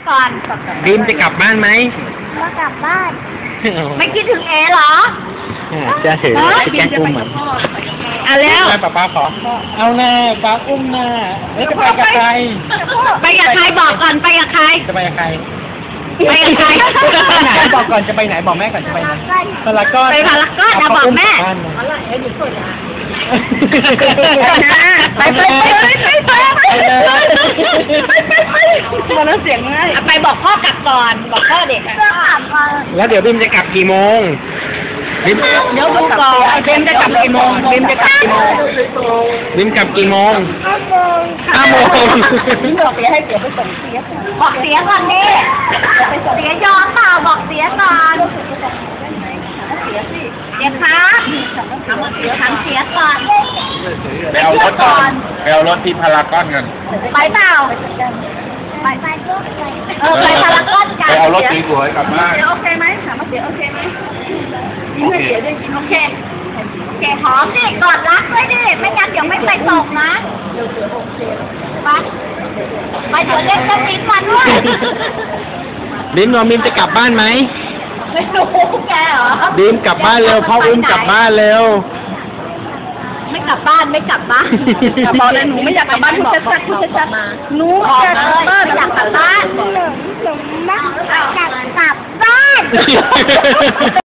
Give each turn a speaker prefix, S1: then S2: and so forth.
S1: ก่อน
S2: บีมจะกลับบ้านไหม
S1: ก็กลับบ้าน ไม่คิดถึงเอเหรอ
S2: จะถือแจ็คอุ้มเหมือน
S1: เอาแล้ว
S2: ป้าขอเอาหน้าป้าอุ้มหน้าแล้วจะไปกับใคร
S1: ไปกับใครบอกก่อนไปกับใคร
S2: จะไปกับใคร
S1: ไปกับใคร
S2: ไหนบอกก่อนจะไปไหนบอกแม่ก่อนจะไปไหนพารากอน
S1: ไปพารากอนนะบอกแม่ ไปมันเสียงง่ายไปบอกพ่อกลับก่อนบอกพ่อเด็ก
S2: แล้วเดี๋ยวบีมจะกลับกี่โมงบีม
S1: เดี๋ยวดูก่อนบีมจะกลับกี่โมงบีมจะกลับกี่โมง
S2: บีมกลับกี่โมง5 โมง
S1: บอกเสียให้เสียไปส่งเสียบอกเสียก่อนดิเสียยอมเปล่าบอกเสียก่อนเสียครับทำเสียก่อน
S2: ไปเอารถก่อนไปเอารถที่พารากอนกัน
S1: ไปเปล่าไปไปพารากอนกัน
S2: ไปเอารถสีสวยกลับบ้าน
S1: โอเคไหมถามว่าเสียโอเคไหมยิ้มให้เสียด้วยยิ้มโอเคโอเคหอมดิกอดรักด้วยดิไม่งั้นเดี๋ยวไม่ไปตกนะไปเดี๋ยวเล่นกันอีกวันด้วย
S2: บีมบีมจะกลับบ้านไหม
S1: ไม่รู้แกเหรอ
S2: บีมกลับบ้านเร็วพ่ออุ้มกลับบ้านเร็ว
S1: ไม่กลับบ้านไม่กลับบ้านบอกเลยหนูไม่อยากกลับบ้านพูดชัดๆพูดชัดๆหนูอยากกลับบ้านอยากกลับบ้านหนูอยากกลับบ้าน